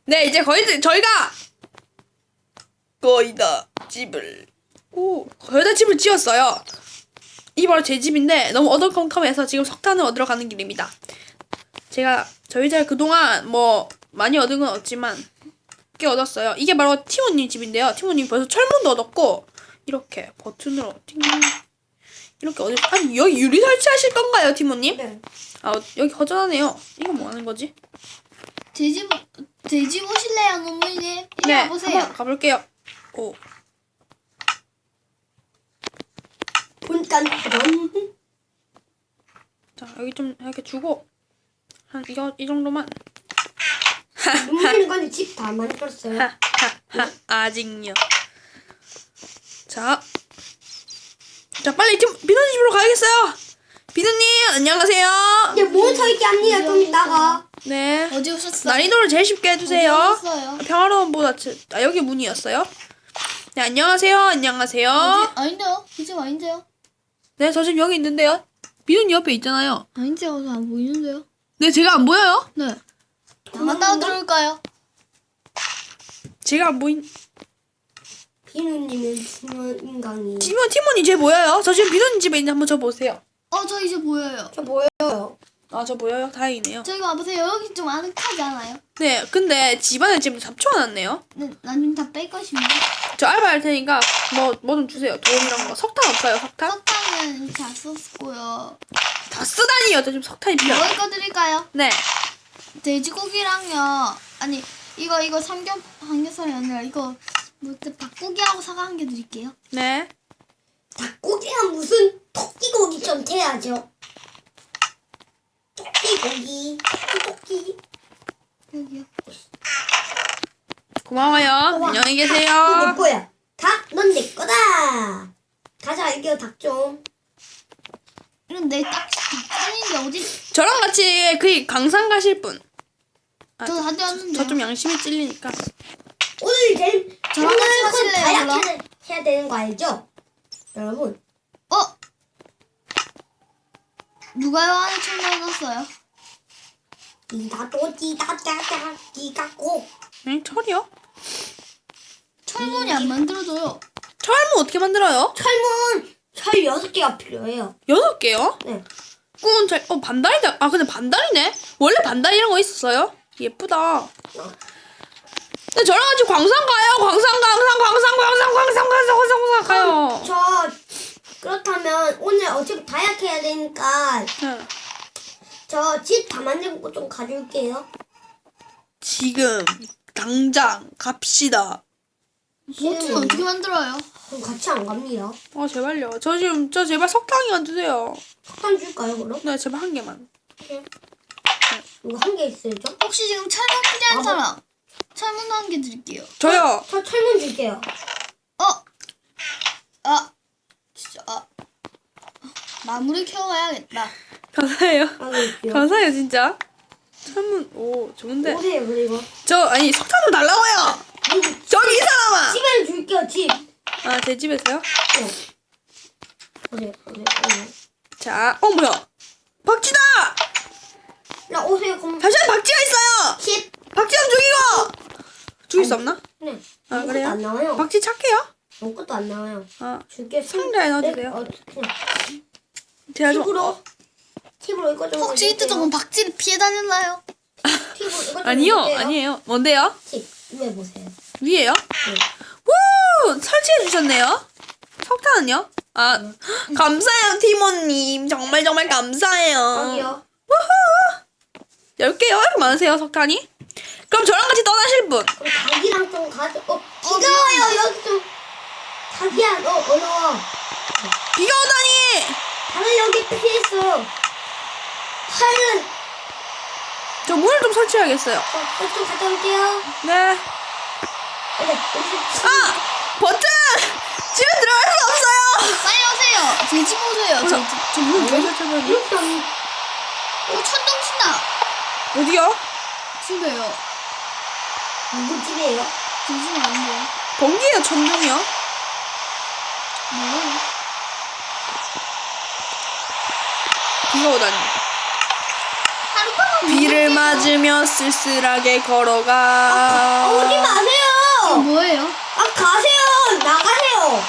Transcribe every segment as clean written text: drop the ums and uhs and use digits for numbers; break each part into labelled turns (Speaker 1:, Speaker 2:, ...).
Speaker 1: 네, 이제 거의 다 집을 거의 다 집을 지었어요. 이게 바로 제 집인데 너무 어두컴컴해서 지금 석탄을 얻으러 가는 길입니다. 저희 집 그동안 뭐 많이 얻은 건 없지만 꽤 얻었어요. 이게 바로 티모님 집인데요. 티모님 벌써 철문도 얻었고 이렇게 버튼으로 이렇게 아니 여기 유리 설치하실 건가요, 티모님?
Speaker 2: 네.
Speaker 1: 아 여기 허전하네요. 이거 뭐 하는 거지?
Speaker 3: 제 집 오실래요, 노무님? 이리
Speaker 1: 네,
Speaker 3: 와보세요.
Speaker 1: 한번 가볼게요. 오,
Speaker 2: 본단 그런.
Speaker 1: 자 여기 좀 이렇게 주고 한 이 정도만.
Speaker 2: 눈물이 건데 집 다 만들었어요.
Speaker 1: 아직요. 자 빨리 비누님 집으로 가야겠어요. 비누님 안녕하세요.
Speaker 2: 이제 몬스터 있게 합니다. 좀 이따가.
Speaker 1: 네.
Speaker 3: 어디 오셨어요?
Speaker 1: 난이도를 제일 쉽게 해주세요.
Speaker 3: 어디 오셨어요?
Speaker 1: 평화로움보다 여기 문이었어요. 네 안녕하세요. 안녕하세요.
Speaker 3: 아닌데요? 이 집 아닌데요?
Speaker 1: 네 저 지금 여기 있는데요. 비누님 옆에 있잖아요.
Speaker 3: 아닌데요? 안 보이는데요?
Speaker 1: 네 제가 안 보여요?
Speaker 3: 네. 갔다 들어올까요?
Speaker 1: 제가 안 보인.
Speaker 2: 비누님은 중요한 인간이.
Speaker 1: 티모니 제 보여요? 저 지금 비누님 집에 있는데 한번 저 보세요.
Speaker 3: 저 이제 보여요.
Speaker 2: 저 보여요.
Speaker 1: 아 저 보여요? 다행이네요.
Speaker 3: 저기 와보세요. 여기 좀 아늑하지 않아요?
Speaker 1: 네 근데 집안에 지금 잡초해놨네요.
Speaker 3: 네, 나중에 다 뺄 것입니다.
Speaker 1: 저 알바할 테니까 뭐 좀 주세요. 돈 이런 거. 석탄 없어요? 석탄?
Speaker 3: 석탄은 다 썼고요.
Speaker 1: 다 쓰다니요. 저 지금 석탄이 필요해요.
Speaker 3: 먹을 거 드릴까요?
Speaker 1: 네.
Speaker 3: 돼지고기랑요. 아니 이거 삼겹살이 아니라 이거 닭고기하고 사과 한 개 드릴게요.
Speaker 1: 네.
Speaker 2: 닭고기랑 무슨 토끼고기 좀 돼야죠. 토끼고기. 토끼.
Speaker 3: 여기요.
Speaker 1: 고마워요. 안녕히
Speaker 2: 이거 내
Speaker 1: 계세요.
Speaker 2: 거야. 닭, 넌 내 거다. 가자, 이겨 닭 좀.
Speaker 3: 이런 내딱 닭인데 어디?
Speaker 1: 저랑 같이 그 강산 가실 분.
Speaker 3: 저 다 되었는데.
Speaker 1: 저 좀 양심이 찔리니까.
Speaker 2: 오늘 제일
Speaker 3: 저랑 같이 하실래요,
Speaker 2: 다이어트 해야 되는 거 알죠? 여러분.
Speaker 3: 누가요 안에 총 넣어놨어요?
Speaker 2: 끼고.
Speaker 1: 응? 철이요?
Speaker 3: 철문이 안 만들어져요.
Speaker 1: 철문 어떻게 만들어요?
Speaker 2: 철 6개가 필요해요.
Speaker 1: 6개요?
Speaker 2: 네.
Speaker 1: 꾸은 철. 반달이다. 아 근데 반달이네. 원래 반달 이런 거 있었어요? 예쁘다. 근데 저랑 같이 광산 가요. 광산 가요.
Speaker 2: 저 그렇다면 오늘 어차피 다이어트 해야 되니까
Speaker 1: 응.
Speaker 2: 저 집 다 만들고 좀 가줄게요.
Speaker 1: 지금 당장 갑시다.
Speaker 3: 뭐지 어떻게 만들어요?
Speaker 2: 그럼 같이 안 갑니다.
Speaker 1: 제발요. 저 제발 석탄이만 주세요.
Speaker 2: 석탄 줄까요 그럼?
Speaker 1: 네 제발 한 개만.
Speaker 2: 이거 한 개 있어야죠?
Speaker 3: 혹시 지금 철문 필요한 사람? 철문 한 개 드릴게요.
Speaker 1: 저요.
Speaker 2: 저 철문 줄게요.
Speaker 3: 진짜 나무를 캐와야겠다.
Speaker 1: 감사해요.
Speaker 2: 알겠어요.
Speaker 1: 감사해요 진짜. 철문 좋은데.
Speaker 2: 오세요 그리고.
Speaker 1: 아니 석탄 좀 달라고요. 저기 이 사람아.
Speaker 2: 집에 줄게요 집.
Speaker 1: 아 제 집에서요?
Speaker 2: 오세요.
Speaker 1: 자, 뭐야? 박쥐다!
Speaker 2: 나 오세요 그럼.
Speaker 1: 잠시만 박쥐가 있어요.
Speaker 2: 10.
Speaker 1: 박쥐 좀 죽이고. 죽일 수 없나?
Speaker 2: 네.
Speaker 1: 아
Speaker 2: 아무것도
Speaker 1: 그래요?
Speaker 2: 안 나와요.
Speaker 1: 박쥐 착해요?
Speaker 2: 아무것도 안 나와요.
Speaker 1: 아
Speaker 2: 줄게.
Speaker 1: 상자에 넣어주세요.
Speaker 2: 그냥
Speaker 1: 제가 좀
Speaker 2: 팁으로 이거 좀.
Speaker 3: 혹시 이때 조금 박쥐를 피해 다녔나요?
Speaker 2: 팁으로 이거 좀.
Speaker 1: 아니요
Speaker 2: 해줄게요.
Speaker 1: 아니에요. 뭔데요?
Speaker 2: 팁 위에 보세요.
Speaker 1: 위에요?
Speaker 2: 네.
Speaker 1: 우 설치해 주셨네요. 석탄은요? 감사해요 티모님. 정말 감사해요.
Speaker 2: 여기요.
Speaker 1: 10개요? 이렇게 많으세요 석탄이? 그럼 저랑 같이 떠나실 분.
Speaker 2: 그럼 닭이랑 좀 가져. 비가 와요 여기 좀. 닭이야 어려워.
Speaker 1: 비가 오다니.
Speaker 2: 닭을 여기 피했어. 팔은
Speaker 1: 저 문을 좀 설치해야겠어요.
Speaker 2: 좀 갔다 올게요.
Speaker 1: 네.
Speaker 2: 네.
Speaker 1: 버튼! 집에 들어갈 수 없어요!
Speaker 3: 빨리 오세요. 제 집 오세요.
Speaker 1: 저 문을 왜 설치해야
Speaker 2: 이렇게
Speaker 3: 천둥 친다.
Speaker 1: 어디요?
Speaker 3: 집에요.
Speaker 2: 누구 집이에요?
Speaker 3: 제 집은 아닌데요.
Speaker 1: 번개요, 천둥이요?
Speaker 3: 뭐예요?
Speaker 1: 비가 오다니.
Speaker 3: 하룻밤은
Speaker 1: 비를
Speaker 3: 못
Speaker 1: 맞으며 쓸쓸하게 걸어가.
Speaker 2: 오지
Speaker 3: 이거
Speaker 2: 마세요.
Speaker 3: 뭐예요?
Speaker 2: 아 가세요. 나가세요.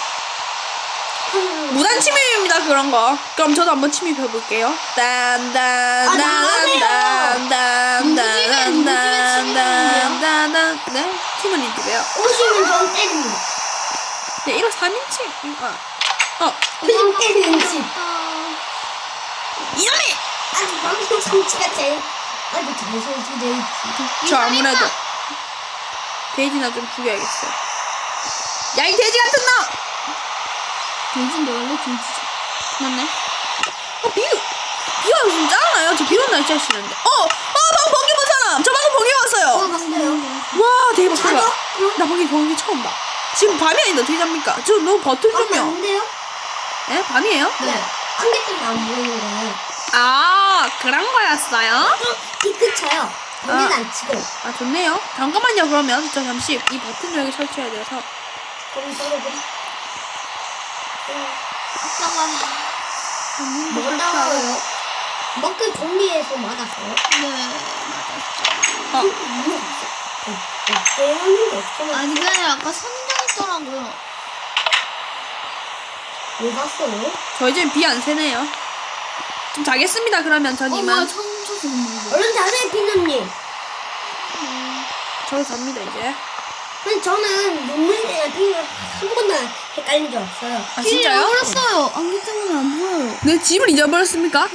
Speaker 1: 무단 침입입니다 그런 거. 그럼 저도 한번 침입해 볼게요.
Speaker 3: 누구 집에
Speaker 1: 딴딴딴딴딴딴딴딴딴. 네? 팀은 집에요.
Speaker 2: 오시면 전 때립니다.
Speaker 1: 네, 이거 3인칭.
Speaker 2: 그냥 때리는 집.
Speaker 1: 이놈이!
Speaker 2: 아니 방금 정치가 제일 아주 잘 설치돼 있지.
Speaker 1: 저 아무래도 돼지나 좀 죽여야겠어요. 야, 이 돼지 같은 놈!
Speaker 3: 돼지인데 원래 돼지죠.
Speaker 1: 맞네. 비가 요즘 짱나요? 저 비 오는 날 진짜 싫은데. 방금 번개 본 사람! 저 방금 번개 왔어요!
Speaker 2: 봤어요.
Speaker 1: 와, 대박,
Speaker 2: 자죠?
Speaker 1: 대박. 나 번개 처음 봐. 지금 밤이 아닌데 어떻게 잡니까? 저 너무 버튼 좀요.
Speaker 2: 안돼요?
Speaker 1: 예? 밤이에요?
Speaker 2: 네. 안개 때문에 안 보이는 거예요.
Speaker 1: 아, 그런 거였어요?
Speaker 2: 피크쳐요. 안개는 안 치고.
Speaker 1: 아, 좋네요. 잠깐만요, 그러면. 저 잠시 이 버튼 여기 설치해야 돼서.
Speaker 2: 그럼 썰어버리.
Speaker 3: 아빠가
Speaker 2: 먹었다고요? 먹기 정리해서 맞았어요?
Speaker 3: 네 맞았죠.
Speaker 2: 배우는데 없어요.
Speaker 3: 아니 그냥 아까 선인장했더라고요.
Speaker 2: 왜 봤어요?
Speaker 1: 저 이제 비 안 새네요. 좀 자겠습니다, 그러면 전
Speaker 3: 뭐야
Speaker 1: 이만.
Speaker 3: 처음 쳐서 먹는
Speaker 2: 얼른 자세요, 피누님.
Speaker 1: 저도 잡니다, 이제.
Speaker 2: 근데 저는 눈물이랑 피누랑 한 번도 헷갈린 적 없어요.
Speaker 1: 아, 진짜요?
Speaker 3: 잃어버렸어요. 안개 때문에 안 보여요.
Speaker 1: 내 집을 잊어버렸습니까?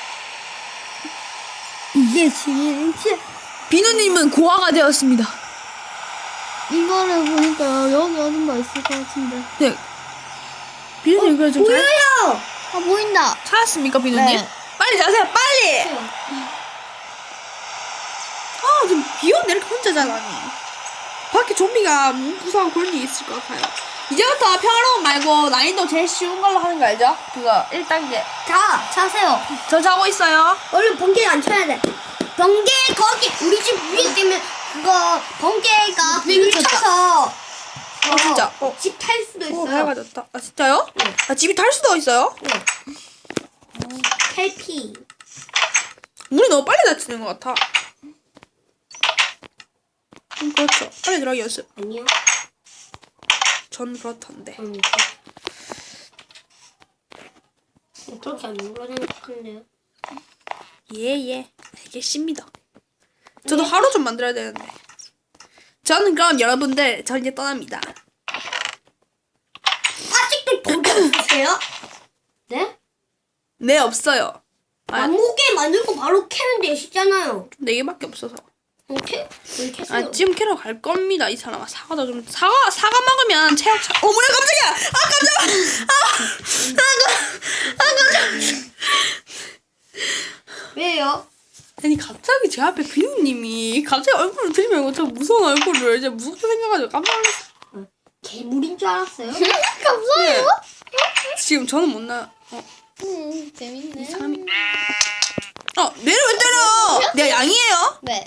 Speaker 2: 이게 진짜.
Speaker 1: 비누님은 고아가 되었습니다.
Speaker 3: 이거를 보니까 여기 어딘가 있을 것 같은데.
Speaker 1: 네. 비누님, 그래 좀 잘.
Speaker 2: 보여요!
Speaker 3: 아 보인다.
Speaker 1: 찾았습니까, 비누님?
Speaker 3: 네.
Speaker 1: 빨리 자세요, 빨리! 아, 지금 비 오는데 이렇게 혼자 자라니. 밖에 좀비가 무서운 그런 일이 있을 것 같아요. 이제부터 평화로운 말고 난이도 제일 쉬운 걸로 하는 거 알죠? 그거 1단계.
Speaker 2: 자, 자세요.
Speaker 1: 저 자고 있어요.
Speaker 2: 얼른 번개가 안 쳐야 돼. 번개 거기 우리 집 위에 때문에 그거 번개가 불 쳐서
Speaker 1: 진짜.
Speaker 2: 집 탈 수도
Speaker 1: 오,
Speaker 2: 있어요.
Speaker 1: 밝아졌다. 아, 진짜요?
Speaker 2: 네.
Speaker 1: 아, 집이 탈 수도 있어요?
Speaker 2: 네. 탈피.
Speaker 1: 문이 너무 빨리 닫히는 것 같아. 그렇죠. 빨리 들어가기 연습.
Speaker 2: 아니요.
Speaker 1: 전 그렇던데.
Speaker 2: 그렇게 안 눌러지는 건데요.
Speaker 1: 예. 알겠습니다. 저도 하루 좀 만들어야 되는데. 저는 그럼 여러분들, 저 이제 떠납니다.
Speaker 2: 아직도 돈이 없으세요? 네?
Speaker 1: 네, 없어요.
Speaker 2: 나무게 만들고 바로 캐면 되시잖아요.
Speaker 1: 4개밖에 없어서.
Speaker 2: 왜 캐세요?
Speaker 1: 아, 지금 캐러 갈 겁니다, 이 사람아. 사과도 좀, 사과 먹으면 체력 차. 어머나, 깜짝이야! 깜짝이야!
Speaker 2: 왜요?
Speaker 1: 아니, 갑자기 제 앞에 비누님이 갑자기 얼굴을 들이밀고 저 무서운 얼굴을 이제 무섭게 생겨가지고 깜짝 놀랐어요.
Speaker 2: 괴물인 줄 알았어요?
Speaker 3: 감사해요.
Speaker 1: 지금 저는 못 나요.
Speaker 3: 재밌네.
Speaker 1: 사람이. 내를 왜 때려! 내가 양이에요?
Speaker 3: 네.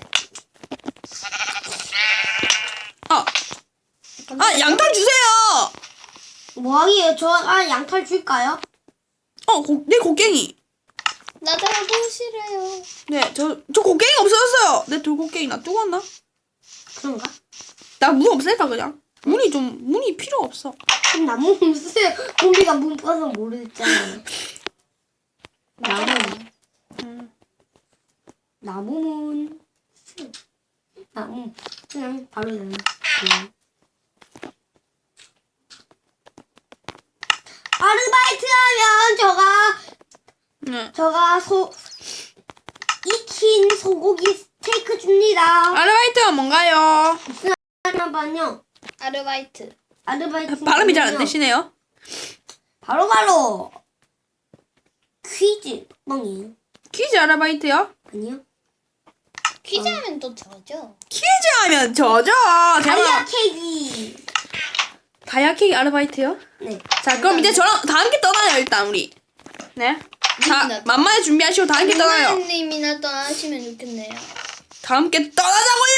Speaker 1: 양털 주세요!
Speaker 2: 뭐하기에요? 저 양털 줄까요?
Speaker 1: 내 곡괭이.
Speaker 3: 나도 하고 싫어요.
Speaker 1: 네, 저 곡괭이 없어졌어요. 내 돌곡괭이 놔두고 왔나?
Speaker 2: 그런가?
Speaker 1: 나 문 없앨까, 그냥? 문이 필요 없어.
Speaker 2: 그럼 나무 문 쓰세요. 좀비가 문 빠서 모르겠잖아요. 나무문. 나무. 그냥 바로 되네. 아르바이트 하면
Speaker 1: 네.
Speaker 2: 익힌 소고기 스테이크 줍니다.
Speaker 1: 아르바이트가 뭔가요?
Speaker 2: 잠깐만요.
Speaker 3: 아르바이트.
Speaker 2: 아르바이트.
Speaker 1: 발음이 잘 안 되시네요.
Speaker 2: 바로 퀴즈 멍이에요.
Speaker 1: 퀴즈 아르바이트요?
Speaker 2: 아니요.
Speaker 3: 퀴즈 하면 또 저죠.
Speaker 1: 퀴즈 하면 저죠.
Speaker 2: 다이아 케이크.
Speaker 1: 다이아케이크 아르바이트요?
Speaker 2: 네.
Speaker 1: 자, 그럼 이제 저랑 다 함께 떠나요, 일단 우리. 네. 다
Speaker 3: 님이나
Speaker 1: 만만히 준비하시고 다 함께 떠나요.
Speaker 3: 님이나 떠나시면 좋겠네요.
Speaker 1: 다 함께 떠나자고요.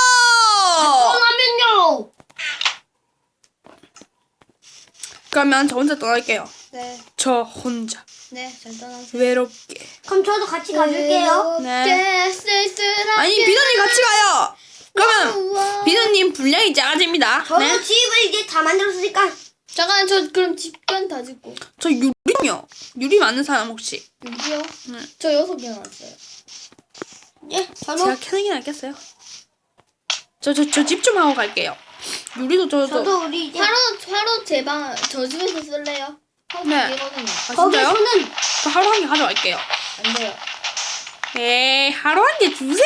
Speaker 2: 떠나면요.
Speaker 1: 그러면 저 혼자 떠날게요.
Speaker 3: 네.
Speaker 1: 저 혼자.
Speaker 3: 네, 잘 떠나세요.
Speaker 1: 외롭게.
Speaker 2: 그럼 저도 같이 가줄게요.
Speaker 1: 네.
Speaker 3: 쓸쓸하게.
Speaker 1: 아니 비누님 같이 가요. 그러면
Speaker 3: 우와.
Speaker 1: 비누님 분량이 작아집니다.
Speaker 2: 저도
Speaker 1: 네.
Speaker 2: 집을 이제 다 만들었으니까
Speaker 3: 잠깐 저 그럼 집간 다 짓고.
Speaker 1: 저 유리요. 유리 많은 사람 혹시?
Speaker 3: 여기요?
Speaker 1: 네.
Speaker 3: 저 6개 나왔어요.
Speaker 2: 예, 저도
Speaker 1: 제가 캐는 게 낫겠어요. 저 집 좀 하고 갈게요. 유리도
Speaker 2: 저도 우리 이제
Speaker 3: 하루 제 방 저 집에서 쓸래요? 하루
Speaker 1: 네.
Speaker 3: 되거든요.
Speaker 1: 아, 진짜요?
Speaker 2: 거기서는
Speaker 1: 저 하루 한 개 가져갈게요.
Speaker 3: 안 돼요.
Speaker 1: 에이 하루 한 개 주세요.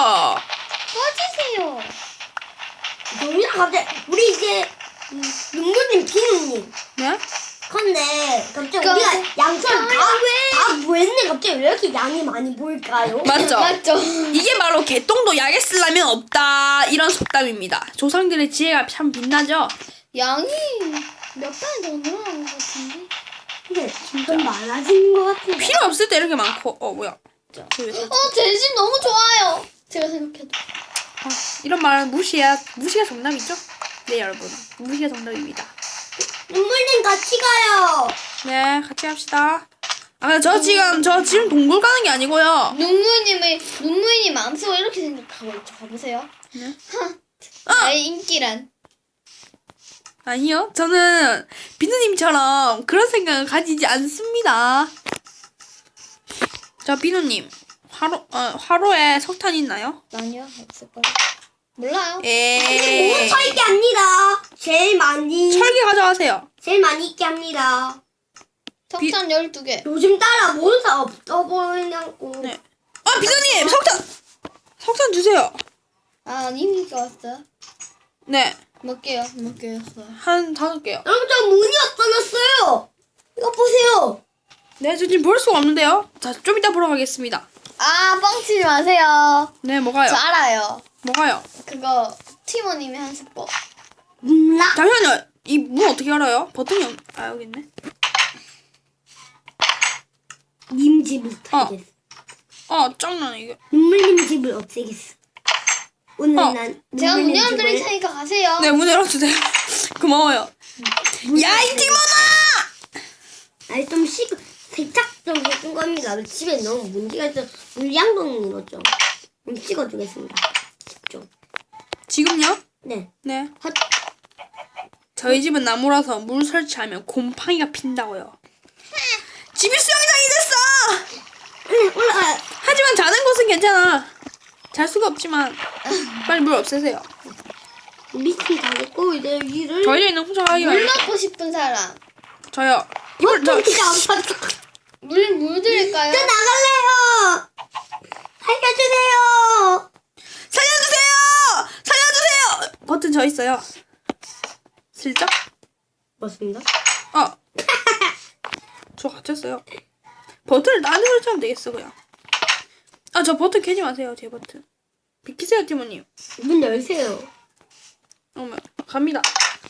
Speaker 3: 꺼지세요.
Speaker 2: 정민아 갑자기 우리 이제 눈물님 비누님
Speaker 1: 네?
Speaker 2: 근데 갑자기
Speaker 3: 그럼-
Speaker 2: 우리가 양처럼 다 구했는데 갑자기 왜 이렇게 양이 많이 보일까요?
Speaker 1: 맞죠?
Speaker 3: 맞죠?
Speaker 1: 이게 바로 개똥도 약에 쓰려면 없다 이런 속담입니다. 조상들의 지혜가 참 빛나죠?
Speaker 3: 양이 몇 배 더 늘어난 것 같은데?
Speaker 2: 근데 좀 많아진 것 같은데.
Speaker 1: 필요 없을 때 이렇게 많고 뭐야? 저 왜-
Speaker 3: 제 집 너무 좋아요. 제가 생각해도.
Speaker 1: 이런 말은 무시가 정답이죠? 네 여러분 무시가 정답입니다.
Speaker 2: 눈물님 같이 가요.
Speaker 1: 네 같이 합시다. 아 저 지금 동굴 가는 게 아니고요.
Speaker 3: 눈무이님 암수가 이렇게 생각하고 있죠. 가보세요.
Speaker 1: 네?
Speaker 3: 나의 인기란.
Speaker 1: 아니요 저는 비누님처럼 그런 생각을 가지지 않습니다. 자 비누님 화로에 석탄 있나요?
Speaker 3: 아니요, 없을걸. 몰라요.
Speaker 1: 에이
Speaker 2: 몬스터 있게 합니다. 제일 많이
Speaker 1: 철기 가져가세요.
Speaker 2: 있게 합니다.
Speaker 3: 석탄 12개.
Speaker 2: 요즘 따라 몬스터 없어 보이냐고.
Speaker 1: 네. 아 비누님 석탄 주세요.
Speaker 3: 아, 님이 왔어요?
Speaker 1: 네
Speaker 3: 몇 개요? 몇 개였어요?
Speaker 1: 한 5개요.
Speaker 2: 여러분 저 문이 없어졌어요. 이거 보세요.
Speaker 1: 네 저 지금 볼 수가 없는데요. 자 좀 이따 보러 가겠습니다.
Speaker 3: 아, 뻥치지 마세요.
Speaker 1: 네 뭐가요?
Speaker 3: 저 알아요.
Speaker 1: 뭐가요?
Speaker 3: 그거 티모님이 한 수법.
Speaker 2: 몰라.
Speaker 1: 잠시만요. 이 문 어떻게 알아요? 버튼이 여기 있네.
Speaker 2: 님 집을 없애겠어.
Speaker 1: 짱나네 이게.
Speaker 2: 눈물님 집을 없애겠어. 오늘 난
Speaker 3: 제가 문
Speaker 2: 눈물님
Speaker 3: 열어드릴
Speaker 2: 집을
Speaker 3: 테니까 가세요.
Speaker 1: 네 문 열어주세요. 고마워요. 야 이 티모나!
Speaker 2: 아니 좀 세탁 좀 해준 겁니다. 집에 너무 문제가 있어. 물량도 넣었죠. 찍어주겠습니다. 좀.
Speaker 1: 지금요?
Speaker 2: 네.
Speaker 1: 네.
Speaker 2: 헛.
Speaker 1: 저희 집은 나무라서 물 설치하면 곰팡이가 핀다고요. 집이 수영장이 됐어!
Speaker 2: 올라가.
Speaker 1: 하지만 자는 곳은 괜찮아. 잘 수가 없지만 빨리 물 없애세요.
Speaker 2: 미친 가겠고 이제 위를.
Speaker 1: 저희 집에는 혼자 가기가
Speaker 3: 물 먹고 싶은 사람.
Speaker 1: 저요.
Speaker 2: 보통 진짜 안 봤어.
Speaker 3: 물 드릴까요?
Speaker 2: 저 나갈래요. 살려주세요.
Speaker 1: 살려주세요! 버튼 저 있어요. 슬쩍?
Speaker 2: 맞습니다.
Speaker 1: 저 갇혔어요. 버튼을 딴 데로 치면 되겠어 그냥. 저 버튼 캐지 마세요. 제 버튼. 비키세요 티모님.
Speaker 2: 문 열세요.
Speaker 1: 어머 갑니다.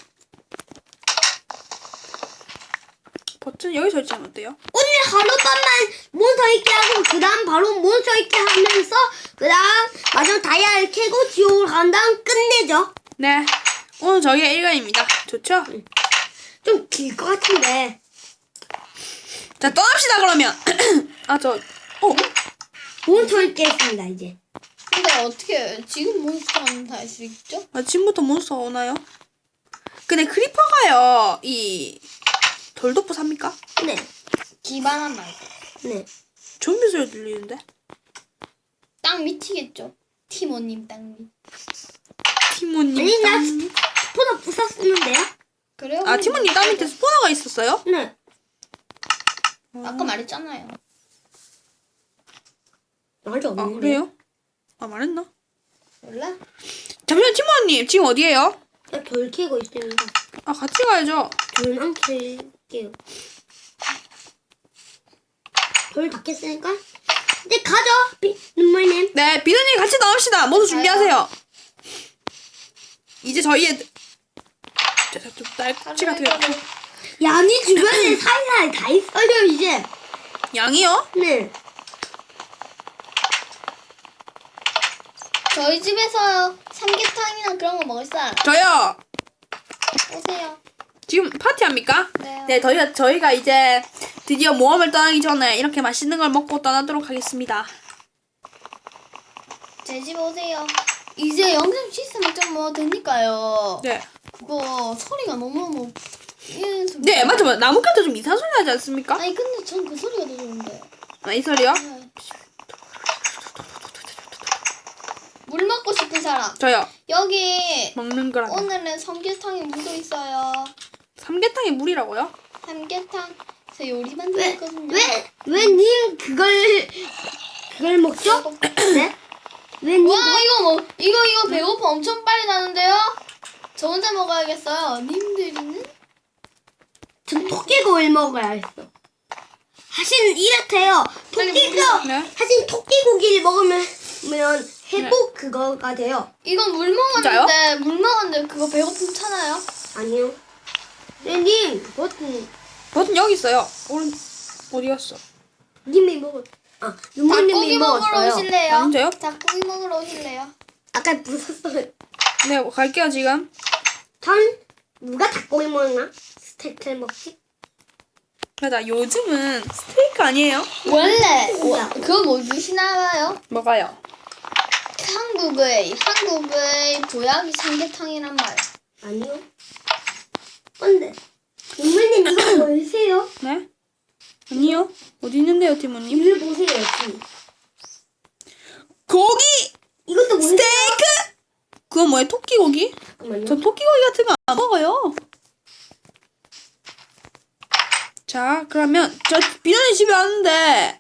Speaker 1: 버튼 여기 설치하면 어때요?
Speaker 2: 오늘 하룻밤만 몬스터 있게 하고 그 다음 바로 몬스터 있게 하면서 그 다음 마지막 다이아를 캐고 지옥을 간 다음 끝내죠.
Speaker 1: 네. 오늘 저희가 1강입니다. 좋죠?
Speaker 2: 좀 길 것 같은데.
Speaker 1: 자 떠납시다 그러면.
Speaker 2: 몬스터 있게 했습니다 이제.
Speaker 3: 근데 어떻게 지금 몬스터는 다 할 수 있죠?
Speaker 1: 지금부터 몬스터가 오나요? 근데 크리퍼가요. 이 돌도프 삽니까?
Speaker 2: 네.
Speaker 3: 기반한 말고.
Speaker 2: 네.
Speaker 1: 좀비 소리 들리는데?
Speaker 3: 땅 밑이겠죠. 티모님 땅 밑.
Speaker 1: 티모님
Speaker 2: 아니 나
Speaker 1: 땅.
Speaker 2: 스포너 부쉈었는데요?
Speaker 3: 그래요?
Speaker 1: 티모님 땅 밑에 스포너가 있었어요?
Speaker 2: 네.
Speaker 3: 아까 말했잖아요.
Speaker 2: 말이 없는데.
Speaker 1: 그래요? 말했나?
Speaker 3: 몰라?
Speaker 1: 잠시만 티모님 지금 어디에요?
Speaker 2: 돌 캐고 있습니다.
Speaker 1: 같이 가야죠.
Speaker 2: 돌만 캘게요. 돌 다 캤으니까 이제 가죠. 눈물님.
Speaker 1: 네 비누님 같이 나옵시다. 모두 준비하세요. 이제 저희의 좀 딸꾹질 같은 거.
Speaker 2: 양이 주변에 사이사이 다 있어요 이제.
Speaker 1: 양이요?
Speaker 2: 네.
Speaker 3: 저희 집에서 삼계탕이나 그런 거 먹을 사람
Speaker 1: 저요.
Speaker 3: 오세요.
Speaker 1: 지금 파티합니까?
Speaker 3: 네.
Speaker 1: 네 저희가 이제 드디어 모험을 떠나기 전에 이렇게 맛있는 걸 먹고 떠나도록 하겠습니다.
Speaker 3: 제 집 오세요. 이제 영상 시스템 좀뭐 되니까요.
Speaker 1: 네.
Speaker 3: 그거 소리가 너무너무
Speaker 1: 네, 맞죠. 나뭇가지도 좀 이상한 소리 나지 않습니까?
Speaker 3: 아니 근데 전 그 소리가 더 좋은데.
Speaker 1: 아, 이 소리요?
Speaker 3: 네. 물 먹고 싶은 사람.
Speaker 1: 저요.
Speaker 3: 여기
Speaker 1: 먹는 거라.
Speaker 3: 오늘은 삼계탕에 물도 있어요.
Speaker 1: 삼계탕에 물이라고요?
Speaker 3: 삼계탕 저 요리 만들었거든요.
Speaker 2: 왜 님 그걸 먹죠? 네? 왜 님?
Speaker 3: 와 이거 배고파 엄청 빨리 나는데요? 저 혼자 먹어야겠어요. 님들이는?
Speaker 2: 전 토끼고기를 먹어야겠어. 하신 이렇대요. 토끼가
Speaker 1: 네.
Speaker 2: 하신 토끼고기를 먹으면 회복 그거가 돼요.
Speaker 3: 이건 물 먹었는데 그거 배고픔 차나요?
Speaker 2: 아니요. 네, 님
Speaker 1: 버튼 여기 있어요. 어디 갔어?
Speaker 2: 님이 먹었. 아,
Speaker 3: 닭고기
Speaker 2: 윤모님이
Speaker 3: 먹으러
Speaker 2: 먹었어요.
Speaker 3: 오실래요?
Speaker 1: 언제요?
Speaker 3: 닭고기 먹으러 오실래요?
Speaker 2: 아까 부쉈어요.
Speaker 1: 네, 갈게요 지금.
Speaker 2: 전 누가 닭고기 먹나? 스테이크를 먹지?
Speaker 1: 맞아, 요즘은 스테이크 아니에요?
Speaker 3: 원래
Speaker 2: 뭐야?
Speaker 3: 그거 뭐 드시나봐요?
Speaker 1: 뭐가요?
Speaker 3: 한국의 보약이 삼계탕이란 말.
Speaker 2: 아니요. 근데 윤모님 이거 보이세요?
Speaker 1: 네? 아니요. 어디 있는데요, 티모님?
Speaker 2: 이걸 보세요. 지금.
Speaker 1: 고기!
Speaker 2: 이것도 보세요.
Speaker 1: 스테이크! 그건 뭐예요? 토끼고기?
Speaker 2: 잠깐만요.
Speaker 1: 전 토끼고기 같은 거 안 먹어요. 자, 그러면 저 비너님 집에 왔는데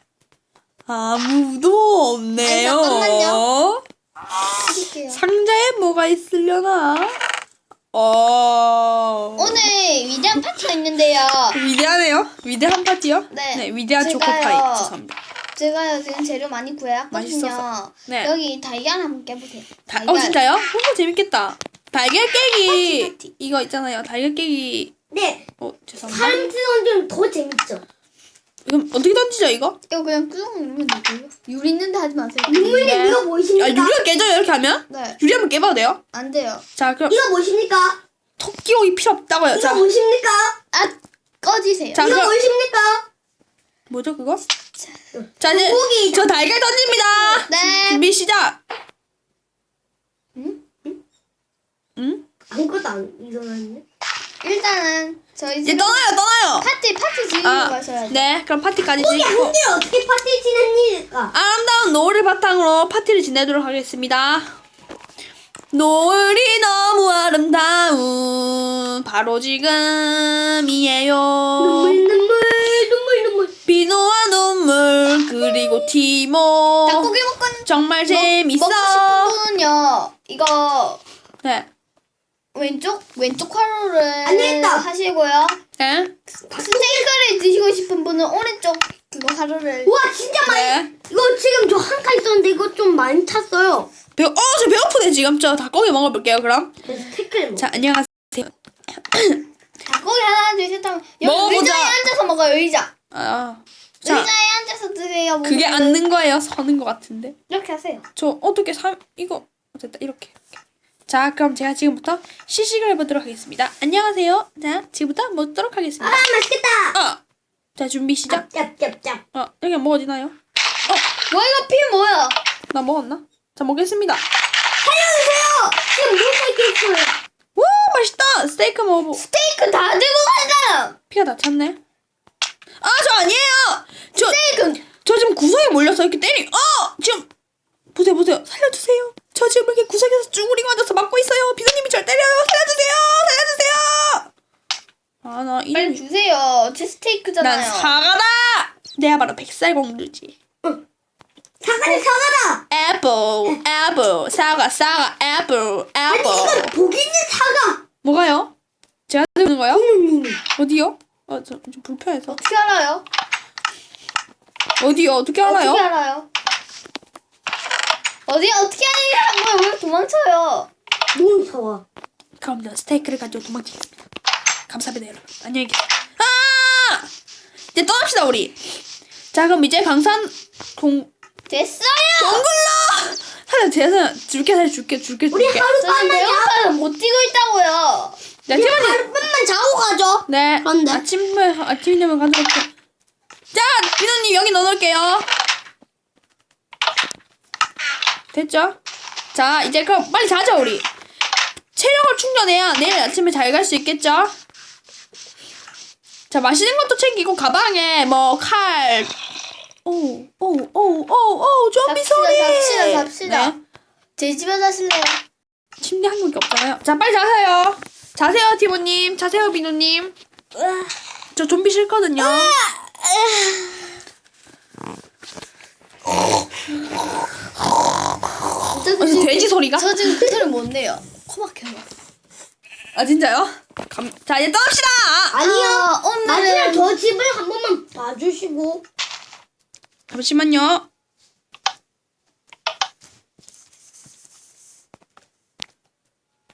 Speaker 1: 아무도 없네요.
Speaker 3: 아니, 잠깐만요. 드릴게요.
Speaker 1: 상자에 뭐가 있으려나?
Speaker 3: 오늘 위대한 파티가 있는데요.
Speaker 1: 위대하네요. 위대한 파티요?
Speaker 3: 네.
Speaker 1: 위대한
Speaker 3: 제가요.
Speaker 1: 초코파이. 죄송합니다.
Speaker 3: 제가요 지금 재료 많이 구해왔거든요.
Speaker 1: 맛있어서. 네.
Speaker 3: 여기 달걀 한번 깨보세요. 달걀.
Speaker 1: 진짜요? 재밌겠다. 달걀 깨기
Speaker 3: 파티.
Speaker 1: 이거 있잖아요. 달걀 깨기.
Speaker 2: 네.
Speaker 1: 죄송합니다.
Speaker 2: 사람 던지면 더 재밌죠.
Speaker 1: 이건 어떻게 던지죠 이거?
Speaker 3: 이거 그냥 꾹 누르면 되고요. 유 있는데 하지 마세요.
Speaker 2: 윤모님
Speaker 1: 네.
Speaker 2: 이거 보이십니까?
Speaker 1: 아, 유리가 깨져요 이렇게 하면?
Speaker 3: 네.
Speaker 1: 유리 한번 깨봐도 돼요?
Speaker 3: 안 돼요.
Speaker 1: 자, 그럼
Speaker 2: 이거 보이십니까?
Speaker 1: 토끼고기 필요 없다고요.
Speaker 2: 이거
Speaker 1: 자,
Speaker 2: 보이십니까?
Speaker 3: 아 꺼지세요.
Speaker 1: 자,
Speaker 2: 이거
Speaker 1: 그럼
Speaker 2: 보이십니까?
Speaker 1: 뭐죠 그거? 자, 이제
Speaker 2: 고기.
Speaker 1: 저 달걀 던집니다.
Speaker 3: 네.
Speaker 1: 준비 시작.
Speaker 3: 응?
Speaker 1: 응?
Speaker 2: 아무것도 안 일어났네.
Speaker 3: 일단은 저희
Speaker 1: 이제
Speaker 3: 지금
Speaker 1: 떠나요.
Speaker 3: 파티 즐기고 가셔야죠.
Speaker 1: 네, 그럼 파티까지
Speaker 2: 고기
Speaker 1: 지고
Speaker 2: 한 개를 어떻게 파티 지냅니까?
Speaker 1: 아름다운 노을을 바탕으로 파티를 지내도록 하겠습니다. 노을이 너무 아름다운 바로 지금이에요.
Speaker 2: 눈물.
Speaker 1: 비누와 눈물 그리고 티모
Speaker 3: 닭고기 먹고
Speaker 1: 정말 재밌어.
Speaker 3: 먹고 싶은 분은요. 이거
Speaker 1: 네.
Speaker 3: 왼쪽 화로를
Speaker 2: 안 되겠다.
Speaker 3: 하시고요.
Speaker 1: 네.
Speaker 3: 스테이크를 드시고 싶은 분은 오른쪽 그거 화로를.
Speaker 2: 와 진짜 많이.
Speaker 1: 네.
Speaker 2: 이거 지금 저 한 칸 있었는데 이거 좀 많이 찼어요.
Speaker 1: 저 배고프네 지금. 저 닭고기 먹어볼게요 그럼.
Speaker 2: 그래서 스테이크를 먹.
Speaker 1: 자, 안녕하세요.
Speaker 3: 닭고기 하나 둘 셋 하면 여기
Speaker 1: 먹어보자.
Speaker 3: 의자에 앉아서 먹어요. 의자.
Speaker 1: 자,
Speaker 3: 의자에 앉아서 드세요.
Speaker 1: 그게
Speaker 3: 먹으면.
Speaker 1: 앉는 거예요? 서는 거 같은데.
Speaker 3: 이렇게 하세요.
Speaker 1: 저 어떻게 이거 됐다 이렇게. 자, 그럼 제가 지금부터 시식을 해보도록 하겠습니다. 안녕하세요. 자, 지금부터 먹도록 하겠습니다.
Speaker 2: 맛있겠다.
Speaker 1: 자, 준비 시작.
Speaker 2: 짭짭짭.
Speaker 1: 여기 먹어지나요?
Speaker 3: 와 이거 피 뭐야?
Speaker 1: 나 먹었나? 자, 먹겠습니다.
Speaker 2: 살려주세요. 지금 뭐 있어요?
Speaker 1: 와, 맛있다. 스테이크 먹어보.
Speaker 3: 스테이크 다 들고 가자.
Speaker 1: 피가 다 찼네. 저 아니에요.
Speaker 3: 스테이크.
Speaker 1: 저 지금 구석에 몰려서 이렇게 지금 보세요. 살려주세요. 저 지금 이렇게 구석에서 쭈그리고 앉아서 막고 있어요. 비서님이 절 때려요. 살려주세요. 나
Speaker 3: 빨리
Speaker 1: 이름이
Speaker 3: 주세요. 제 스테이크잖아요.
Speaker 1: 난 사과다. 내가 바로 백설공주지.
Speaker 2: 사과는 사과다.
Speaker 1: 애플 사과 애플
Speaker 2: 아니 이건 복 있는 사과.
Speaker 1: 뭐가요? 제가 들는 거요?
Speaker 2: 부모님이.
Speaker 1: 어디요? 좀 불편해서.
Speaker 3: 어떻게 알아요?
Speaker 1: 어디요? 어떻게 알아요?
Speaker 3: 어떻게 알아요? 어떻게 알아요? 왜 도망쳐요?
Speaker 2: 너무 좋아.
Speaker 1: 그럼 저 스테이크를 가지고 도망치겠습니다. 감사합니다 여러분. 안녕히 계세요. 이제 떠납시다 우리. 자, 그럼 이제 강산
Speaker 3: 됐어요.
Speaker 1: 동굴로 살려 줄게.
Speaker 2: 우리 하룻밤만
Speaker 3: 저는 배고파서 못 뛰고 있다고요.
Speaker 1: 네,
Speaker 2: 우리
Speaker 1: 팀원님.
Speaker 2: 하룻밤만 자고 가죠.
Speaker 1: 네.
Speaker 2: 그런데?
Speaker 1: 아침 되면 가도록 해. 자, 비누님 여기 넣어놓을게요. 됐죠? 자, 이제 그럼 빨리 자자 우리. 체력을 충전해야 내일 아침에 잘 갈 수 있겠죠? 자, 맛있는 것도 챙기고 가방에 뭐 칼. 오, 좀비 소리.
Speaker 3: 잡시다.
Speaker 1: 네.
Speaker 3: 제 집에 가실래요?
Speaker 1: 침대 한 개밖에 없잖아요. 자, 빨리 자세요. 자세요, 티모님. 자세요, 비누님. 저 좀비 싫거든요. 아니, 돼지 소리가?
Speaker 3: 저 지금 그 소리 못 내요. 코 막혀요.
Speaker 1: 아, 진짜요? 자, 이제 떠납시다.
Speaker 2: 아니요.
Speaker 3: 오늘은
Speaker 2: 아니요. 저 집을 한 번만 봐주시고.
Speaker 1: 잠시만요.